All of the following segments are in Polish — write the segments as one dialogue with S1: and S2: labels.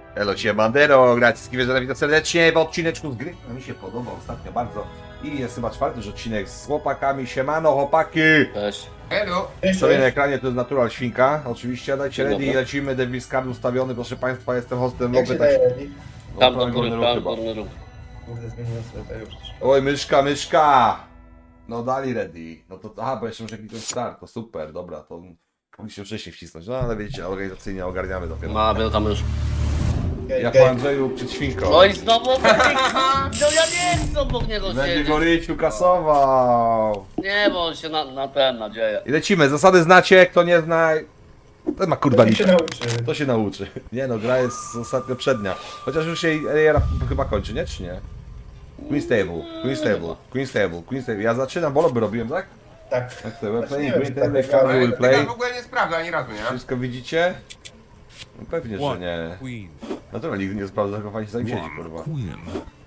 S1: Elo, Bandero, graciski wieczorem, witam serdecznie w odcineczku z gry, no mi się podoba ostatnio bardzo. I jest chyba czwarty już odcinek z chłopakami, siemano chłopaki!
S2: Cześć.
S3: Hello.
S1: Sobie na ekranie to jest Natural Świnka, oczywiście, dajcie
S2: Dzień
S1: ready i
S2: dobry.
S1: lecimy, Devil's Card ustawiony, proszę państwa, jestem hostem
S3: Jak się
S1: lobby,
S3: daje ready?
S2: Tam do
S1: prawy
S2: góry,
S1: górny
S2: tam
S1: ruch chyba.
S2: górny ruch.
S3: Kurde, zmieniłem sobie to już.
S1: Oj, myszka! No dali ready, no to, aha, bo jeszcze muszę kliknąć start, to super, dobra, to mogliście wcześniej wcisnąć, no ale wiecie, organizacyjnie ogarniamy dopiero.
S2: Ma, był tam już.
S1: Jak po Andrzeju przed świnką.
S2: No i znowu obok niego. No ja nie chcę obok niego
S1: Będzie
S2: siedzieć.
S1: go Ryciu kasował.
S2: Nie, bo on się na ten nadzieje.
S1: I lecimy, zasady znacie, kto nie zna, ten ma kurwa
S3: Niech się
S1: liczę.
S3: nauczy.
S1: To się nauczy. Nie no, gra jest ostatnio przednia. Chociaż już się era chyba kończy, nie? Czy nie? Queen Stable. Ja zaczynam, bo lobby robiłem, tak?
S3: Tak.
S1: Tak, to we're
S3: Właśnie
S1: playing
S3: nie
S1: Queen
S3: wiem,
S1: Stable,
S3: czy tak
S1: Can
S3: grałem.
S1: will play.
S4: w ogóle nie sprawdza ani razu, nie?
S1: Wszystko widzicie? No pewnie, że
S5: One
S1: nie.
S5: queen.
S1: Naturalnie nikt nie sprawdza, tylko fajnie sobie siedzi, kurwa.
S5: One queen.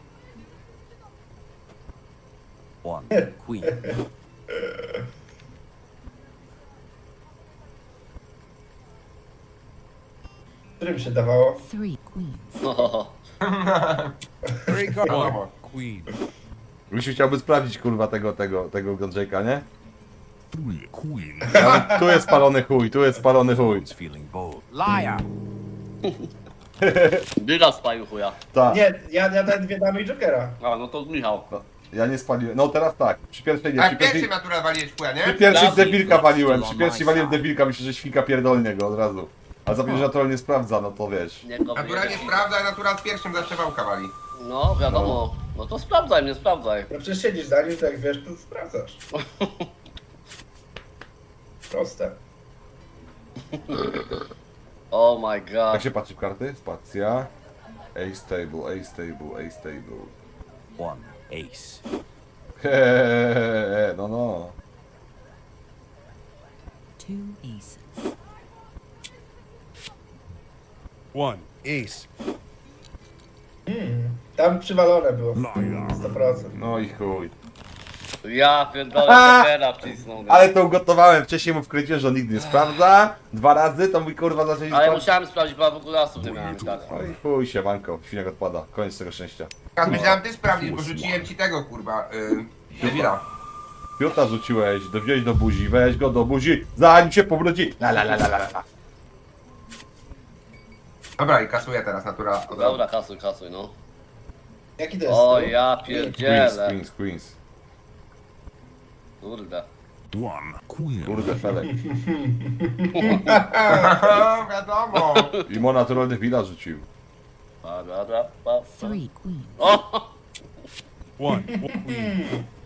S5: One queen.
S3: Którym się dawało?
S6: Three queens.
S2: No.
S5: One queen.
S1: Rysiu chciałby sprawdzić, kurwa, tego Godrzejka, nie?
S5: Three queen.
S1: Ale tu jest spalony chuj, tu jest spalony chuj.
S5: One's feeling bold. Liar.
S2: Dyga spalił chuja.
S1: Tak.
S3: Nie, ja dałem dwie damy i Jokera.
S2: A, no to Michał.
S1: Ja nie spaliłem. No teraz tak. Przy pierwszej nie.
S4: A
S1: Przy pierwszej,
S4: pierwszy natura waliłeś chuja,
S1: przy
S4: nie?
S1: pierwszej
S2: Dawid,
S1: debilka waliłem. Przy
S5: on
S1: pierwszej
S5: my
S1: waliłem
S5: side.
S1: debilka, myślę, że świnka pierdolnie go od razu. A za że natural nie sprawdza, no to wiesz.
S2: Nie go
S4: Natura nie
S2: wyjebie.
S4: sprawdza, a natura z pierwszym zawsze wałka wali.
S2: No, wiadomo. No to sprawdzaj mnie, sprawdzaj.
S3: No przecież siedzisz za nim, to jak wiesz, to sprawdzasz. Proste.
S2: Oh my
S1: Jak
S2: god.
S1: się patrzy w karty? Spacja. Ace table.
S5: One ace.
S1: No no.
S6: Two aces.
S5: One ace.
S3: Tam przywalone było.
S5: Liar.
S3: 100%.
S1: No i chuj.
S2: Ja pierdolę, pokera wcisnął.
S1: Ale to ugotowałem. Wcześniej mu wkręciłem, że on nigdy nie sprawdza. 2 razy, to mój kurwa zaczęli
S2: Ale
S1: sprawdzać.
S2: musiałem sprawdzić, bo ja w ogóle asów nie miałem, tak.
S1: No i chuj się, manko. Świniak odpada. Koniec tego szczęścia.
S4: Ja myślałem ty sprawdzić, bo rzuciłem ci tego kurwa. Debila.
S1: Piota rzuciłeś, wziąłeś do buzi, weź go do buzi, zanim się powróci. La.
S4: Dobra, i kasuję teraz natura.
S2: Dobra, kasuj, no.
S3: Jaki to jest?
S2: O
S3: stół?
S2: ja pierdzielę.
S1: Queens.
S2: Kurde.
S5: One queen.
S1: Kurde, felek.
S4: Wiadomo.
S1: I mo naturalny wila rzucił.
S6: Three queens.
S2: O!
S5: One queen.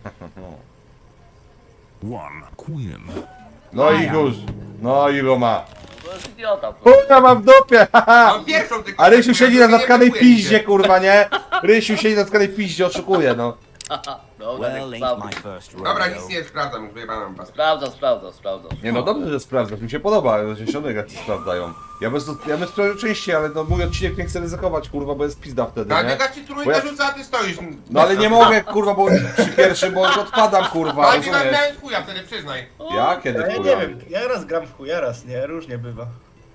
S5: One queen.
S1: No i już. No i Roma.
S2: To jest idiota.
S1: Kurwa, mam w dupie, haha.
S4: Mam pierwszą tylko.
S1: A Rysiu siedzi na
S4: nie
S1: zatkanej
S4: blokuje się.
S1: piździe, kurwa, nie? Rysiu siedzi na zatkanej piździe, oszukuje, no.
S2: Dobra,
S5: Well,
S2: niech
S5: ain't my
S2: sprawdza.
S5: first
S4: Dobra, nic
S5: rodeo.
S4: nie sprawdzam, już wyjebałem was.
S2: Sprawdza.
S1: Nie no, dobrze, że sprawdzasz, mi się podoba, że się jak sprawdzają. Ja bez sprawdzę częściej, ale no mój odcinek nie chcę ryzykować, kurwa, bo jest pizda wtedy,
S4: A
S1: nie?
S4: biega ci
S1: Bo
S4: trójkę
S1: ja-
S4: rzuca, a ty stoisz.
S1: No ale nie mogę, kurwa, bo przy pierwszym, bo odpadam, kurwa,
S4: Ale nie
S1: rozumiesz?
S4: miałem chuja wtedy, przyznaj.
S1: Ja? Kiedy,
S3: Ja
S1: kurwa?
S3: nie wiem, ja raz gram w chuja, raz nie, różnie bywa.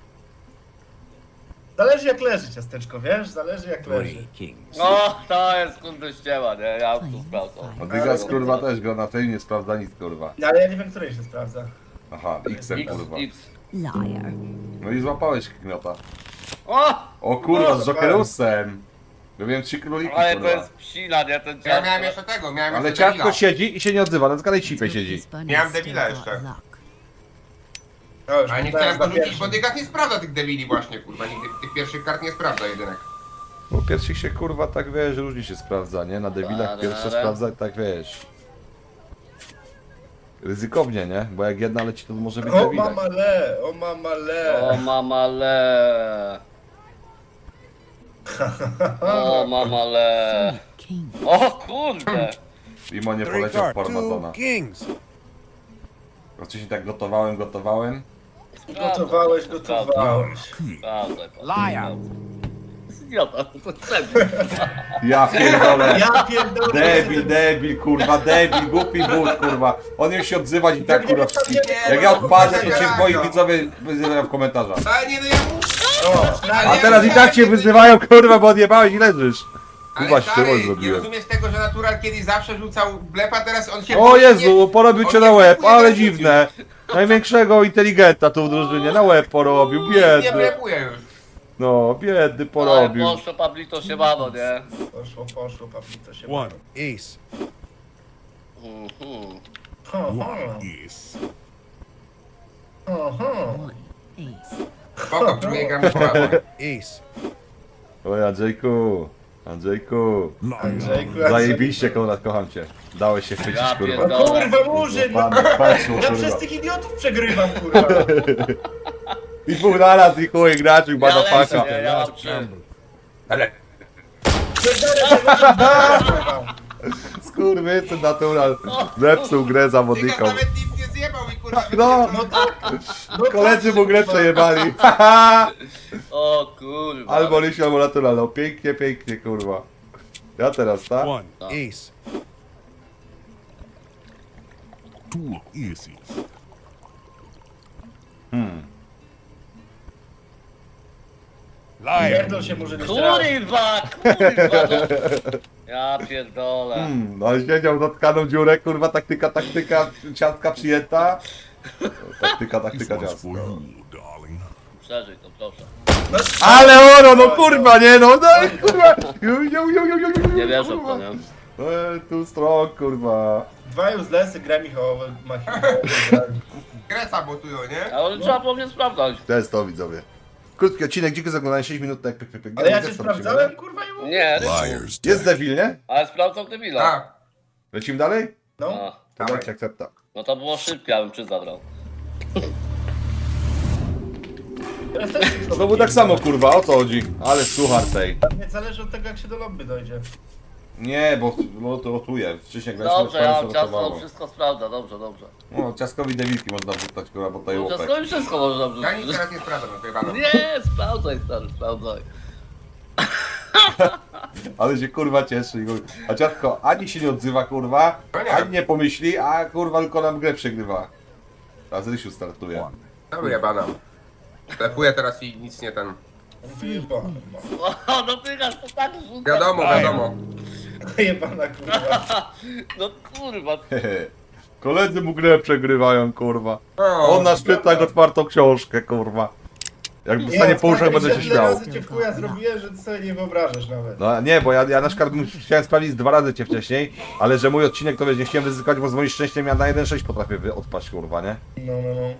S3: Zależy jak leży ciasteczko, wiesz? Zależy jak leży.
S5: Three kings.
S2: O, to jest kurde ściema, nie? Ja tu sprawdzam.
S1: No Dygas, kurwa, też go na tej nie sprawdza nic, kurwa.
S3: No, ale ja nie wiem, której się sprawdza.
S1: Aha, X-em, kurwa.
S2: X.
S6: Liar.
S1: No i złapałeś kmiota.
S2: O!
S1: O kurwa, z Jokerusem! Robiłem 3 króliki,
S2: Ale to
S1: kurwa.
S2: jest psina, nie? Ten
S4: Ja miałem jeszcze tego, miałem
S1: Ale
S4: jeszcze
S1: ciastko
S4: debila.
S1: siedzi i się nie odzywa, na zgadaj cipę
S6: Let's hope
S1: siedzi.
S6: this bunny
S4: Miałem
S6: still
S4: debila
S6: got
S4: jeszcze.
S6: luck.
S3: No, już
S4: Ale nie
S3: podałem
S4: chciałem go
S3: za
S4: rzucić,
S3: pierwszym.
S4: bo Dygas nie sprawdza tych debili właśnie, kurwa. Nigdy tych pierwszych kart nie sprawdza jedynek.
S1: Bo pierwszych się kurwa tak wiesz, różnie się sprawdza, nie? Na debilach pierwsze sprawdza tak wiesz. Ryzykownie, nie? Bo jak jedna leci, to może być
S3: O
S1: debilek.
S3: mamale, o mamale.
S2: O mamale. O mamale.
S6: King.
S2: O kurde.
S1: Imo nie
S5: Three
S1: poleciał w
S5: card.
S1: Parmatona.
S5: Two kings.
S1: Wcześniej tak gotowałem.
S3: Gotowałeś.
S2: Sprawdzaj.
S5: Liar.
S2: Idiota, to czemu?
S1: Ja pierdolę.
S3: Ja pierdolę.
S1: Debil, kurwa, debil, głupi but, kurwa. On już się odzywać i tak, kurwa.
S3: Nie,
S1: Jak ja odpadę, to
S4: nie,
S1: się
S4: nie,
S1: moi
S4: nie.
S1: widzowie wyzywają w komentarzach.
S4: Ale nie, no ja muszę.
S1: A teraz i tak cię wyzywają, kurwa, bo odjebałeś i leżysz. Kurwa,
S4: Ale stary,
S1: ścierol
S4: nie
S1: zrobiłem.
S4: rozumiesz tego, że Natural kiedyś zawsze rzucał blefa, teraz on się...
S1: O Jezu, porobił cię
S4: on
S1: na
S4: nie
S1: łeb,
S4: blefuje,
S1: ale
S4: nie rzucił.
S1: dziwne. Największego inteligenta tu w drużynie, na łeb porobił,
S4: Nie
S1: biedny.
S4: blefuje już.
S1: No, biedny
S2: Ale
S1: porobił.
S2: poszło Pablito się mano, nie?
S3: Poszło, Pablito się
S5: One ace. One ace.
S6: One ace.
S4: Spoko, próbuję gramy poważnie.
S5: Ace.
S1: Oj, Andrzejku, Andrzejku.
S3: Andrzejku,
S1: Zajebiście, Konrad, kocham cię. Dałeś się chwycić,
S2: Ja
S1: kurwa.
S2: pierdolę.
S3: Kurwa, Murzyn!
S1: Pan, patrzył,
S3: Ja przez
S1: kurwa.
S3: tych idiotów przegrywam, kurwa.
S1: I dwóch naraz, i chuj, graczyk,
S2: Ja
S1: bada
S2: lecę,
S1: paka.
S2: nie? Ja mam 3.
S4: Ale
S1: Skurwysyn natural. Zepsuł grę
S4: Tygas
S1: zawodnikom.
S4: nawet nic nie zjebał i kurwa...
S1: No.
S3: No tak. No
S1: Koledzy mu grę przejebali.
S2: O kurwa.
S1: Albo Lisiu, albo natural. No pięknie, pięknie, kurwa. Ja teraz, tak?
S5: One ace. Two aces. Liar.
S3: Pierdol się Murzyn jeszcze raz.
S2: Kurwa, kurwa, no. Ja pierdolę.
S1: No ale siedział na tkaną dziurę, kurwa, taktyka, ciastka przyjęta. Taktyka,
S5: This one's
S1: ciastka.
S5: for you, darling.
S2: Przeżyj to, proszę.
S1: Ale oro, no kurwa, nie no, no kurwa.
S2: Nie wierzę w to, nie?
S1: Tu strong, kurwa.
S3: Dwa uselessy, gra Michałowy,
S4: Grę sabotują, nie?
S2: Ale trzeba po mnie sprawdzać.
S1: To jest to, widzowie. Krótki odcinek, dzięki za oglądanie, 6 minut, tak,
S3: Ale ja cię sprawdzałem, kurwa, i mówię.
S2: Nie,
S5: Liars.
S1: Jest Devil, nie?
S2: ale sprawdzał debila.
S4: Tak.
S1: Lecimy dalej?
S3: No.
S2: A,
S1: To
S4: Dawaj.
S1: dajcie akcepta.
S2: no to było szybkie, ja bym 3 zabrał.
S3: Teraz też
S1: Znowu tak samo, kurwa, o co chodzi? Ale suchar tej.
S3: Nie zależy od tego, jak się do lobby dojdzie.
S1: Nie, bo to rotuje. Wcześniej graliśmy
S2: Dobrze, ja mam
S1: to
S2: ciasto,
S1: rotowało.
S2: wszystko sprawdza, dobrze, dobrze.
S1: No, ciastkowi devilki można wrzucać, kurwa, bo tutaj łopek.
S2: Ciasto i wszystko można
S4: Ja nic
S2: wrzucić.
S4: teraz nie sprawdzam, wyjebano.
S2: Nie, sprawdzaj stary, sprawdzaj.
S1: Ale się kurwa cieszy. A ciastko ani się nie odzywa, kurwa,
S4: No nie.
S1: ani nie pomyśli, a kurwa tylko nam grę przegrywa. A z Rysiu startuje.
S4: No wyjebano. Blefuję teraz i nic nie ten...
S3: Wyjebana,
S2: O, no tygasz to tak rzuca.
S4: Wiadomo, wiadomo.
S3: wyjebana, kurwa.
S2: No kurwa.
S1: Koledzy mu grę przegrywają, kurwa.
S4: O,
S1: On nas czyta jak otwartą książkę, kurwa. Jak dostanie po uszach, będę się śmiał.
S3: razy cię w chuja zrobiłem, że ty sobie nie wyobrażasz nawet.
S1: No nie, bo ja na przykład chciałem sprawdzić 2 razy cię wcześniej, ale że mój odcinek to wiesz, nie chciałem ryzykować, bo z moim szczęściem ja na 1.6 potrafię odpaść, kurwa, nie?
S3: No, no, no.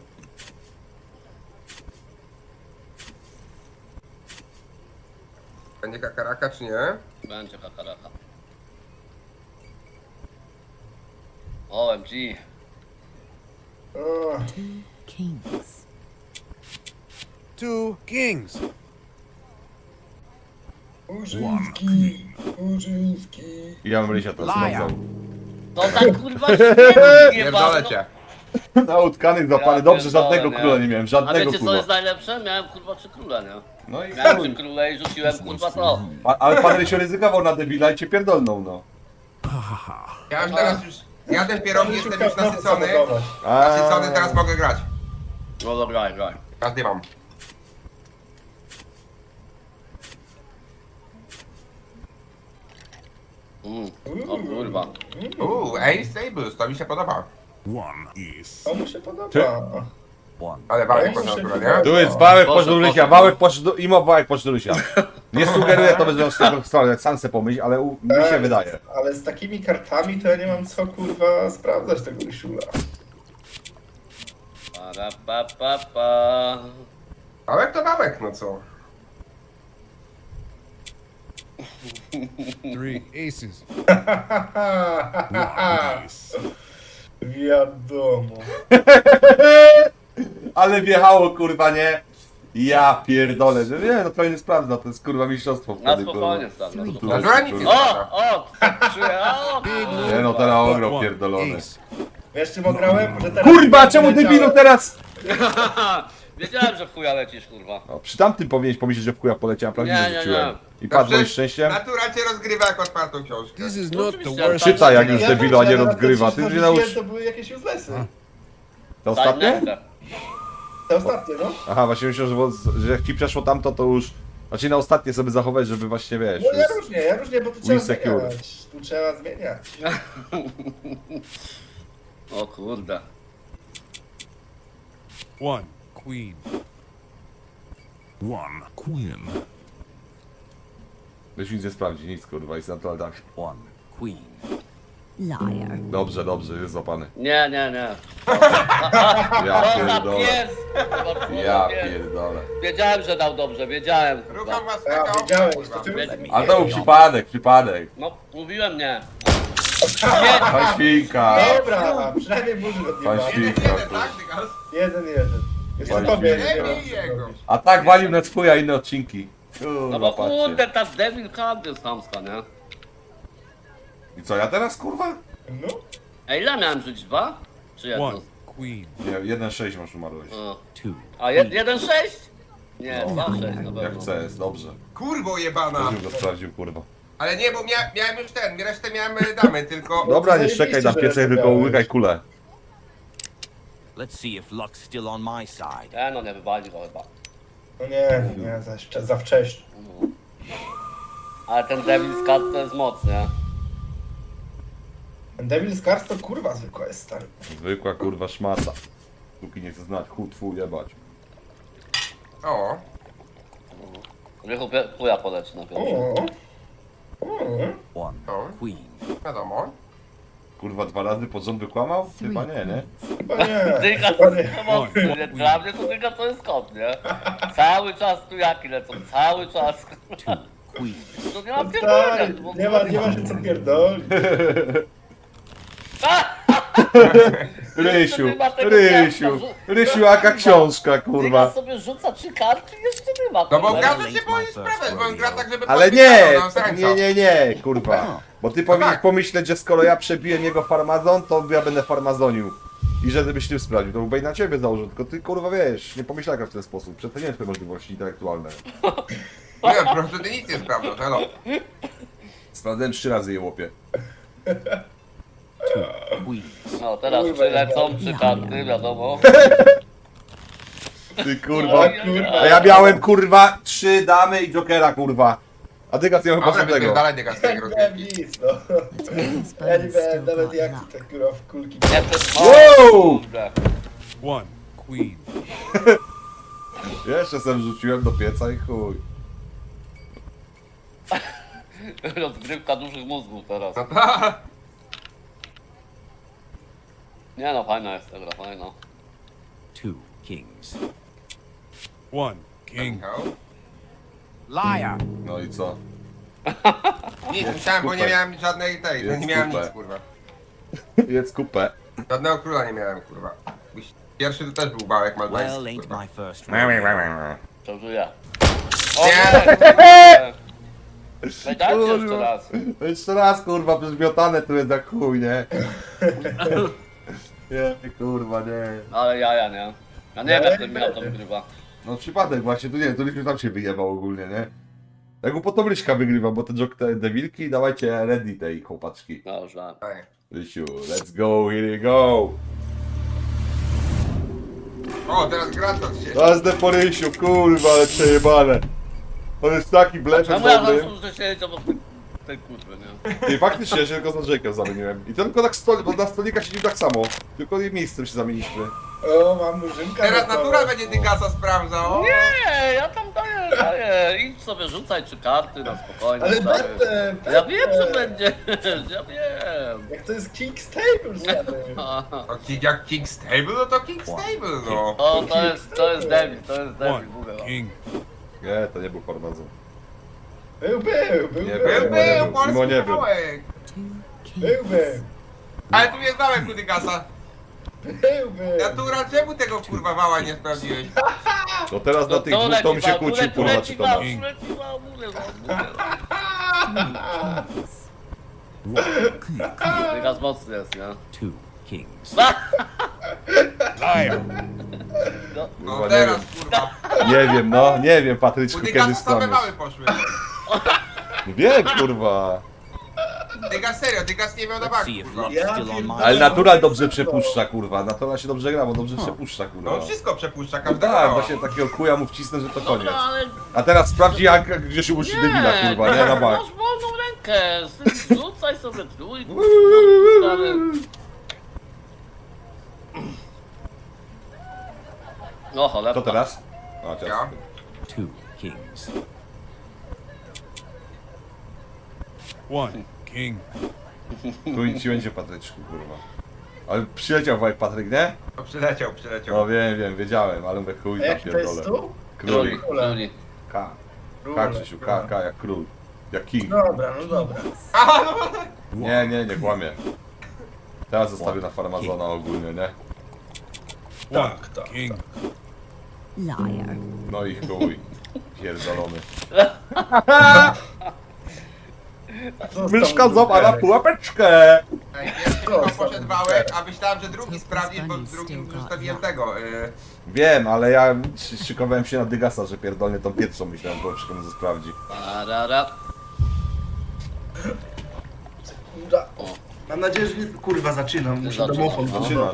S4: Będzie kakaraka czy nie?
S2: Będzie kakaraka. OMG.
S3: O,
S6: Kings.
S5: Two kings.
S3: Murzyński, Murzyński.
S1: I ja bym Rysia teraz
S5: Liar.
S1: zmocał.
S2: No tak kurwa śmierć
S4: Pierdolę cię.
S1: Na utkanych zapany,
S2: Ja
S1: dobrze,
S2: pierdolę,
S1: żadnego
S2: nie.
S1: króla nie miałem,
S2: A
S1: żadnego
S2: wiecie co
S1: króla.
S2: jest najlepsze? Miałem kurwa 3 króle, nie?
S1: No i
S2: Miałem 3
S1: chuj.
S2: króle i rzuciłem kurwa to.
S1: Ale pan Rysio ryzykował na debila i cię pierdolnął, no.
S4: Ja już teraz już... Ja ten pierogi jestem już nasycony.
S1: A,
S4: Nasycony, teraz mogę grać.
S2: No dobra, graj.
S4: Teraz nie mam.
S2: O kurwa.
S4: Ace Tables, to mi się podoba.
S5: One ace.
S3: To mu się podoba.
S4: Ale wałek poszedł akurat, nie?
S1: tu jest wałek
S2: Poszedł,
S1: poszedł Rysia,
S2: poszedł.
S1: wałek poszedł, imo wałek poszedł Rysia. Nie sugeruję to bez tego strony, jak sam se pomyśl, ale mi się wydaje.
S3: Ale z takimi kartami to ja nie mam co, kurwa, sprawdzać tego Rysiula.
S2: Para pa pa pa.
S4: Wałek to wałek, no co?
S5: Three aces. Ace.
S3: Wiadomo.
S1: Ale wjechało, kurwa, nie? Ja pierdolę, że nie, no to nie sprawdza, to jest kurwa mistrzostwo
S2: Na
S1: wtedy,
S2: spokojnie stary, na
S1: Tu
S2: spokojnie.
S1: jest,
S4: Natura nic nie
S1: kurwa.
S4: sprawdza.
S2: O! O!
S1: Nie no, teraz ograł
S5: One
S1: pierdolony.
S5: ace.
S3: Wiesz czym ograłem? Że teraz
S1: Kurwa, czemu debilu teraz?
S2: Wiedziałem, że w chuja lecisz kurwa.
S1: No, przy tamtym powinieneś pomyśleć, że w kuja poleciałem, prawdziwie
S2: Nie, nie,
S1: rzuciłem. I
S4: To
S1: padł moim
S4: przecież
S1: szczęściem.
S4: Natura cię rozgrywa jak otwartą książkę.
S5: This is
S2: No
S5: not the
S2: oczywiście,
S5: worst.
S2: ale
S1: Czytaj jak
S2: Ja
S1: już
S3: Ja
S1: debilu, a nie
S3: wiem, że
S1: rozgrywa.
S3: nawet
S1: Ty
S3: te
S1: już
S3: trzy
S1: nie naucz...
S3: rzuciłem, to były jakieś uselessy.
S1: To ostatnie?
S2: Silence.
S3: To ostatnie, no.
S1: Aha, właśnie myślę, że jak ci przeszło tamto, to już... Znaczy na ostatnie sobie zachować, żeby właśnie, wiesz...
S3: No
S1: już-
S3: ja różnie, bo tu trzeba
S1: Insecure.
S3: zmieniać. Tu trzeba zmieniać.
S2: O kurde.
S5: One queen. One queen.
S1: Weź nic nie sprawdzi, nic kurwa, jest natural tak.
S6: One queen. Liar.
S1: Dobrze, jest złapany.
S2: Nie.
S1: Ja
S2: Co za
S1: pierdolę.
S2: pies! Kurwa, co za
S1: Ja
S2: pies.
S1: pierdolę.
S2: Wiedziałem, że dał dobrze, wiedziałem.
S4: Rucham was
S3: Ja
S4: taka
S3: wiedziałem,
S4: kurwa.
S3: to ty
S1: Ale to był przypadek.
S2: No, mówiłem nie.
S1: Pan świnka.
S3: Dobra, przynajmniej burzy od
S1: Pan
S3: nieba.
S1: świnka.
S4: Jeden,
S1: kurwa.
S4: tak, Dygas?
S3: 1-1. Jeszcze
S1: Pani
S3: tobie
S1: świnka.
S3: nie
S4: Nie bij
S3: wiem.
S4: jego.
S1: A tak walił na swój, a inne odcinki.
S2: No bo
S1: Kurwa,
S2: kurde,
S1: patrzcie.
S2: ta Devil Hand jest chamska, nie?
S1: I co, ja teraz kurwa?
S3: No.
S2: Ej, ile miałem żyć? 2? Czy jedno?
S5: One queen.
S1: Nie, 1,6 masz umarłeś.
S2: O.
S6: Two.
S2: A 1,6? Nie, 2,6 na
S1: Jak
S2: pewno.
S1: chce, jest dobrze.
S4: Kurwo jebana.
S1: Też bym go sprawdził, kurwa.
S4: Ale nie, bo miałem już resztę miałem damy, tylko...
S1: Dobra, nie
S3: zajebiście,
S1: szczekaj na
S3: że
S1: piece, tylko
S3: rozdałeś.
S1: łykaj kulę.
S7: Let's see if luck's still on my side.
S2: No nie wywali go chyba.
S3: No nie, za wcześnie.
S2: Ale ten Devil's Cut to jest moc, nie?
S3: Ten Devil's Cars to kurwa zwykła jest, stary.
S1: Zwykła kurwa szmata. Póki nie chce znać, twój jebać.
S4: O,
S2: Rychu chuja poleci na pierwszy.
S3: O.
S6: One
S4: o,
S6: queen.
S4: wiadomo.
S1: Kurwa 2 razy pod rząd wykłamał?
S6: Three
S1: Chyba nie, nie?
S6: queens.
S3: Chyba nie.
S2: Dyga
S3: Chyba
S2: to
S3: nie.
S2: jest mocny, nie? Dla mnie to dyga to jest kot, nie? Cały czas tu jaki lecą, cały czas.
S6: Two queens.
S2: To nie ma
S3: Stary,
S2: pierdolenia.
S3: nie ma się co pierdolić.
S1: Rysiu,
S2: nie ma tego
S1: Rysiu,
S2: miasta,
S1: Rysiu, jaka książka,
S2: Dyga
S1: kurwa.
S2: sobie rzuca 3 karty i jeszcze nie ma.
S4: No bo
S2: kurwa.
S4: każdy się boi sprawiać, bo on gra tak, żeby
S1: Ale
S4: podpisał,
S1: nie,
S4: no,
S1: nie, kurwa. Bo ty powinieneś
S4: tak.
S1: pomyśleć, że skoro ja przebiłem jego farmazon, to ja będę farmazonił. I że byś tym sprawdził, to byłby i na ciebie założył, tylko ty kurwa wiesz, nie pomyślałem w ten sposób, przeceniłem twoje możliwości intelektualne.
S4: Nie, po prostu ty nic nie sprawdzasz, hello.
S1: Sprawdzałem 3 razy je łopie.
S6: Queens.
S2: No teraz
S3: Kurwa,
S2: przylecą 3 karty, wiadomo.
S1: Ty kurwa.
S3: kurwa.
S1: A ja miałem kurwa 3 damy i jokera kurwa. A ty gaz nie mam
S4: Dobra,
S1: tego.
S4: wypierdalaj Dygas z tej
S3: Nie
S4: rozgrywki.
S3: miałem nic, no.
S6: Let's hope this
S3: Ja nie
S6: bunny's
S3: miałem
S6: still
S3: nawet
S6: got
S3: jak
S6: luck.
S3: te kurwa w kulki.
S2: Nie przez...
S1: Wow!
S2: Kurde.
S5: One queen.
S1: Jeszcze sem rzuciłem do pieca i chuj.
S2: Rozgrywka dużych mózgów teraz.
S4: No tak.
S2: Nie no, fajna jest ta gra, fajna.
S6: Two kings.
S5: One king.
S4: Michał.
S7: Liar!
S1: No i co?
S4: Nic, musiałem, bo nie miałem żadnej tej,
S1: Jest
S4: nie miałem
S1: kupę.
S4: nic, kurwa.
S1: Jedz kupę.
S4: Żadnego króla nie miałem, kurwa. Pierwszy to też był bałek
S7: Well,
S4: maltański,
S7: ain't
S4: kurwa.
S7: my first rodeo.
S2: Przeżyję. O
S4: Nie.
S2: nie! Ej, dajcie jeszcze raz.
S1: Jeszcze raz kurwa, przecież miotane tu jest jak chuj, nie? Nie, kurwa, nie.
S2: Ale jaja, nie? Ja nie wiem jak ten Michał to wygrywa.
S1: No przypadek właśnie, tu nie, tu Rysiu tam się wyjebał ogólnie, nie? Jak mu potem Ryśka wygrywa, bo te wilki, dawajcie ready tej chłopaczki.
S2: No już wiem.
S4: Tak.
S1: Rysiu, let's go, here we go!
S4: O, teraz Gratos się.
S1: Jazdę po Rysiu, kurwa, ale przejebane. On jest taki blefem
S2: Czemu ja
S1: dobry.
S2: zawsze muszę siedzieć obok tej kurwy, nie?
S1: I faktycznie, ja się tylko z Andrzejkiem zamieniłem. I to tylko tak bo na stolika siedzimy tak samo. Tylko miejscem się zamieniliśmy.
S3: O, mam murzynka.
S4: Teraz
S3: na to.
S4: natura będzie Dygasa sprawdzał.
S2: Nie, ja tam daję. Idź sobie rzucaj 3 karty na spokojnie.
S3: Ale
S2: stary.
S3: będę.
S2: Ja wiem, że będziesz, ja wiem.
S3: Jak to jest King's Table, stary.
S4: To jak King Stable, no to King Stable, no.
S2: O, to jest Devil,
S5: One
S2: mówię wam.
S5: king.
S1: Nie, to nie był farmazon.
S3: Był.
S1: Nie,
S4: Był,
S1: mimo
S4: polski
S1: nie był.
S4: bałek.
S6: Two
S3: Był.
S6: kings.
S4: Ale tu jest bałek u Dygasa.
S3: Był.
S4: Natura, czemu tego kurwa wała nie sprawdziłeś?
S1: No teraz na tych dwóch to mi się kłócił, kurwa, czy to masz.
S2: Leci wam, mówię wam. Wyraz mocny jest, nie?
S6: Two kings.
S5: Liar.
S2: No,
S4: No
S1: Kurwa, nie
S4: teraz
S1: wiem.
S4: kurwa.
S1: Nie wiem, no, nie wiem,
S4: U
S1: Patryczku, kiedy
S4: Dygasa same
S1: skłamiesz.
S4: wały poszły.
S1: Wiem, kurwa.
S4: Dygas nie miał na
S7: Let's
S4: banku,
S7: see if
S4: kurwa.
S7: luck's
S3: Ja
S7: still on my
S3: pierdolę.
S1: Ale
S7: side.
S1: natural dobrze przepuszcza, kurwa. Natural się dobrze gra, bo dobrze przepuszcza,
S4: No
S1: kurwa.
S4: on wszystko przepuszcza,
S1: No
S4: każdego
S1: tak,
S4: mała.
S1: właśnie takiego chuja mu wcisnę, że to koniec.
S2: Dobra, ale...
S1: A teraz sprawdzi jak gdzie się musi debila, kurwa, nie na bank.
S2: Masz wolną rękę, rzucaj sobie trójkę. No cholera.
S1: To teraz? A,
S4: Ja.
S1: teraz.
S6: 2 kings.
S5: 1 king.
S1: Tu nic ci będzie, Patryczku, kurwa. Ale przyleciał wajk Patryk, nie?
S4: No, przyleciał.
S1: No wiem, wiedziałem, ale mówię chuj
S3: A
S1: tam
S3: jaki to jest
S1: pierdolę.
S3: tu?
S1: Króli.
S2: Króli.
S1: K.
S3: Król,
S1: K, Krzysiu, K, jak król. Jak king.
S3: Dobra, no dobra.
S1: Nie kłamie. Teraz zostawię na farmazona ogólnie, nie?
S5: 1
S3: tak.
S5: king.
S6: Liar.
S1: No i chuj. Pierdolony. Myszka złapała pułapeczkę!
S4: Ej, pierwszy chyba poszedł wałek, a myślałem, że drugi sprawdzić, bo drugim zostawiłem tego.
S1: Wiem, ale ja szykowałem się na Dygasa, że pierdolnie tą pierwszą myślałem, że wszystko mu sprawdzi.
S2: Parara.
S3: Mam nadzieję, że nie... Kurwa, zaczynam. Muszę
S2: Zaczynasz,
S3: domofon.
S2: no.
S1: Zaczynasz.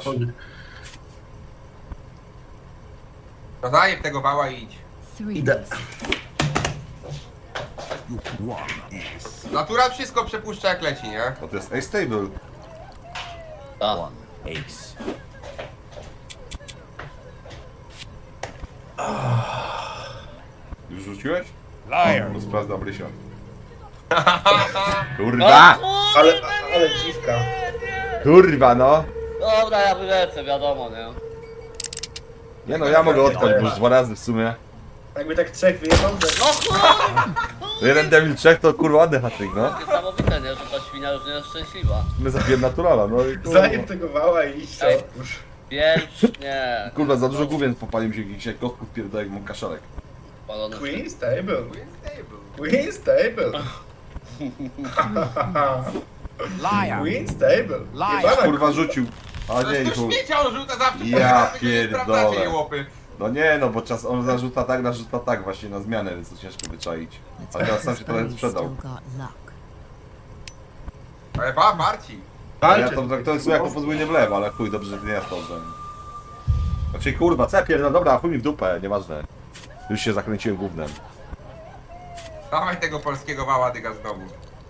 S4: No zajeb tego wała i idź.
S6: 3
S3: Idę.
S4: Natural wszystko przepuszcza jak leci, nie?
S1: Bo to jest A-Stable.
S2: Tak.
S6: ace.
S1: Już rzuciłeś?
S5: Liar.
S1: No sprawdzam Rysia. Kurwa!
S3: Ale dziwka.
S1: Kurwa no!
S2: Dobra, ja wylecę, wiadomo, nie?
S1: Nie no, ja mogę odpać, bo już 2 razy w sumie.
S3: Jakby tak trzech wyjechał, to...
S2: No kurwa!
S1: Jeden Devil 3 to kurwa ładny hat-trick, no.
S2: Niesamowite, nie? Że ta świnia już nie jest szczęśliwa.
S1: My zabiłem naturala, no i kurwa.
S3: Zajeb tego wała i idź to. Już.
S2: Wiecznie.
S1: Kurwa, za dużo główien popalił się jakiś jak kotków pierdolę jak mam kaszalek.
S2: Palony
S3: Queen Stable. Queen Stable.
S5: Liar.
S3: Queen Stable.
S5: Liar.
S3: Jebana
S1: Kurwa rzucił. A
S4: To
S1: nie,
S4: jest to
S1: chuj.
S4: śmiecia, on rzuca zawsze.
S1: Ja
S4: tylko nie
S1: pierdolę.
S4: sprawdzacie je łopy.
S1: No nie no, bo czas on narzuca tak właśnie na zmianę, więc to ciężko wyczaić. Ale teraz sam się trochę sprzedał.
S4: Ale Marci.
S1: Ja
S3: walczy.
S1: to traktuję sobie jako podwójnie w lewo, ale chuj, dobrze, że nie jest dobrze. Znaczy kurwa, cepier, no dobra, chuj mi w dupę, nieważne. Już się zakręciłem gównem.
S4: Dawaj tego polskiego wała, dyga znowu.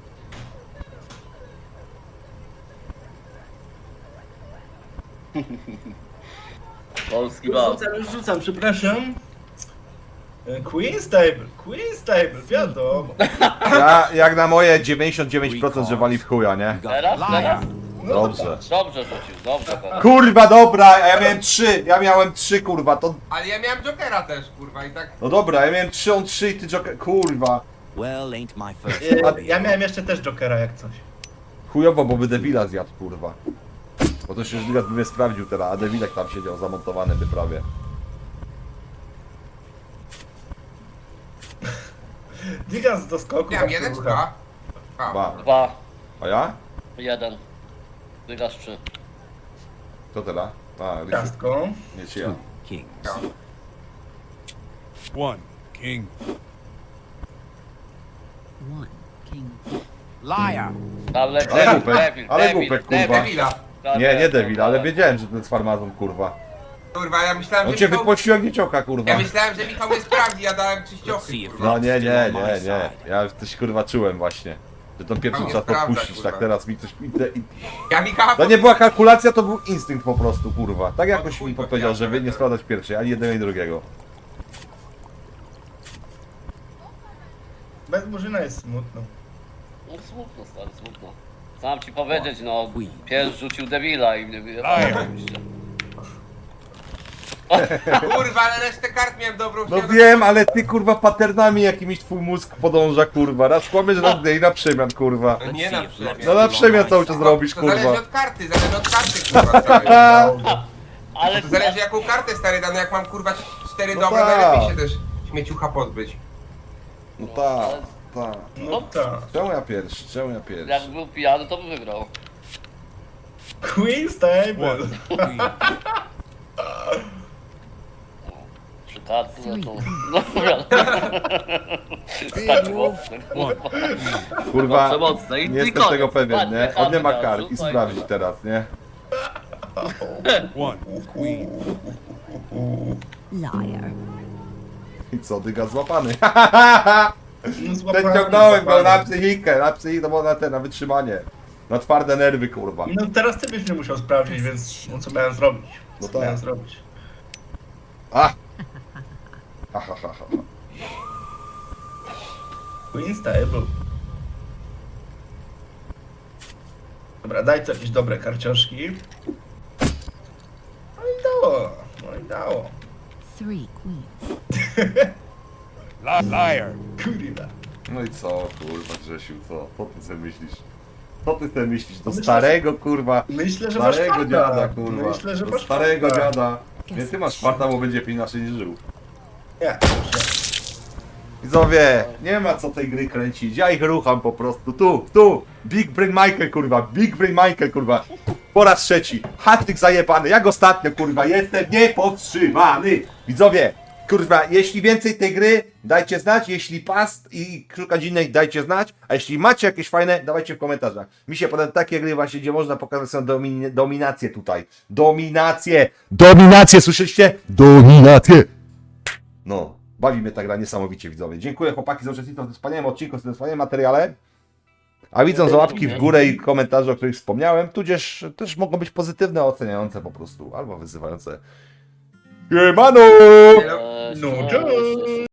S2: Polski bał.
S3: Już rzucam, przepraszam. Queen Stable. Queen Stable, wiadomo.
S1: Ja, jak na moje 99%, że wali w chuja, nie?
S2: Teraz? Teraz?
S1: Dobrze.
S2: Dobrze rzucił, dobrze teraz.
S1: Kurwa, dobra, a ja miałem 3, kurwa, to...
S4: Ale ja miałem Jokera też, kurwa, i tak...
S1: No dobra, ja miałem 3, on 3 i ty Joker... Kurwa.
S6: Well, ain't my first
S3: Ja miałem jeszcze też Jokera jak coś.
S1: Chujowo, bo by Devila zjadł, kurwa. Bo to się już Digas by mnie sprawdził teraz, a Devilek tam siedział zamontowany by prawie.
S3: Digas do skoku.
S4: Miałem
S3: tak
S4: jeden czy
S3: rucha.
S4: dwa? A,
S1: 2.
S2: 2,
S1: A ja?
S2: 1. Wygrasz 3.
S1: Kto teraz? A, Rysiu.
S3: Ciastką.
S1: Nie, czy ja.
S6: kings.
S4: ja.
S5: 1 king.
S6: 1 king.
S5: Liar.
S2: Ale
S1: Ale głupek, ale głupek, kurwa.
S4: Devila.
S1: Nie Devil, ale wiedziałem, że to jest farmazon, kurwa.
S4: Kurwa, ja myślałem,
S1: On
S4: że
S1: cię
S4: Michał...
S1: wypłacił jak niecioka, kurwa.
S4: Ja myślałem, że Michał nie sprawdzi, ja dałem
S6: Let's
S4: czyściochy,
S6: see if
S4: kurwa.
S1: No
S6: luck's
S1: nie,
S6: still
S1: nie,
S6: on my
S1: nie, nie.
S6: side.
S1: Ja coś kurwa czułem właśnie. Że tą pierwszą
S4: nie
S1: trzeba
S4: sprawdza,
S1: podpuścić,
S4: kurwa.
S1: tak teraz mi coś...
S4: Ja Michała...
S1: To nie była kalkulacja, to był instynkt po prostu, kurwa. Tak jakoś
S4: chuj,
S1: mi
S4: bo
S1: powiedział,
S4: ja-
S1: że wy nie sprawdzać pierwszej, ani jednego, ani drugiego.
S3: Bez Murzyna jest smutno.
S2: No smutno, stary, smutno. Co mam ci powiedzieć, no,
S6: Queen.
S2: pies rzucił debila i mnie wyjebało
S5: Liar.
S2: oczywiście.
S4: Kurwa, ale resztę kart miałem dobrą.
S1: No
S4: chciałem-
S1: wiem, ale ty kurwa paternami jakimiś twój mózg podąża, kurwa. Raz kłamiesz, raz nie i na przemian, kurwa.
S4: No nie
S6: Let's
S4: na
S6: see if
S4: przemian.
S6: luck's
S1: No na
S6: still on
S1: przemian
S6: my
S1: cały czas
S6: side.
S1: robisz,
S4: To zależy
S1: kurwa.
S4: od karty, kurwa, stary.
S2: Ale
S4: To zależy jaką kartę, stary, dane jak mam, kurwa, 4
S1: No
S4: dobre,
S1: tak.
S4: najlepiej się też śmieciucha pozbyć.
S1: No tak, tak.
S3: No tak.
S1: Czemu ja pierwszy? Czemu ja pierwszy?
S2: jak był pijany, to by wygrał.
S3: Queen Stable.
S5: 1 queen.
S2: Karty, no to...
S5: Big
S2: Tak
S5: wolf.
S2: mocne,
S5: One.
S1: Kurwa,
S2: mocne i
S1: nie jestem
S2: koniec.
S1: tego pewien,
S2: Ładnie,
S1: nie? On nie ma
S2: karty
S1: kart
S2: dał,
S1: i
S2: rzucaj.
S1: sprawdzi teraz, nie?
S5: One. Queen.
S6: Liar.
S1: I co, dyga złapany.
S3: No, złapany,
S1: Ciągnąłem go
S3: złapany.
S1: na psychikę, to było na wytrzymanie. Na twarde nerwy, kurwa.
S3: No teraz ty byś nie musiał sprawdzić, więc no co miałem zrobić?
S1: No
S3: Co
S1: tak.
S3: miałem zrobić?
S1: A! Ha, ha, ha, ha.
S3: Queen's Table. Dobra, daj tu jakieś dobre karcioszki. No i dało, no i dało.
S6: 3 queens.
S5: Liar.
S3: Kurwa.
S1: No i co, kurwa, Grzesiu, co? Co ty sobie myślisz? Co ty sobie myślisz? Do
S3: Myślę,
S1: starego, kurwa,
S3: Myślę, że masz
S1: starego
S3: farta.
S1: dziada, kurwa.
S3: Myślę, że
S1: Do
S3: masz
S1: starego
S3: farta.
S1: dziada. Nie, ty masz farta, bo będzie inaczej niż żył.
S3: Nie,
S1: Widzowie, nie ma co tej gry kręcić, ja ich rucham po prostu, tu, Big Brain Michael, kurwa, Big Brain Michael, kurwa, po raz trzeci, hat-trick zajebany, jak ostatnio, kurwa, jestem niepowstrzymany. Widzowie, kurwa, jeśli więcej tej gry, dajcie znać, jeśli past i szukać innej, dajcie znać, a jeśli macie jakieś fajne, dawajcie w komentarzach. Mi się podobają takie gry właśnie, gdzie można pokazać swoją dominację tutaj, dominację, słyszeliście? Dominację! No, bawi mnie ta gra niesamowicie, widzowie. Dziękuję chłopaki za uczestnictwo w tym wspaniałym odcinku, w tym wspaniałym materiale. A widzą za łapki w górę i komentarze, o których wspomniałem, tudzież też mogą być pozytywne, oceniające po prostu, albo wyzywające. Siemano!
S3: No, cześć.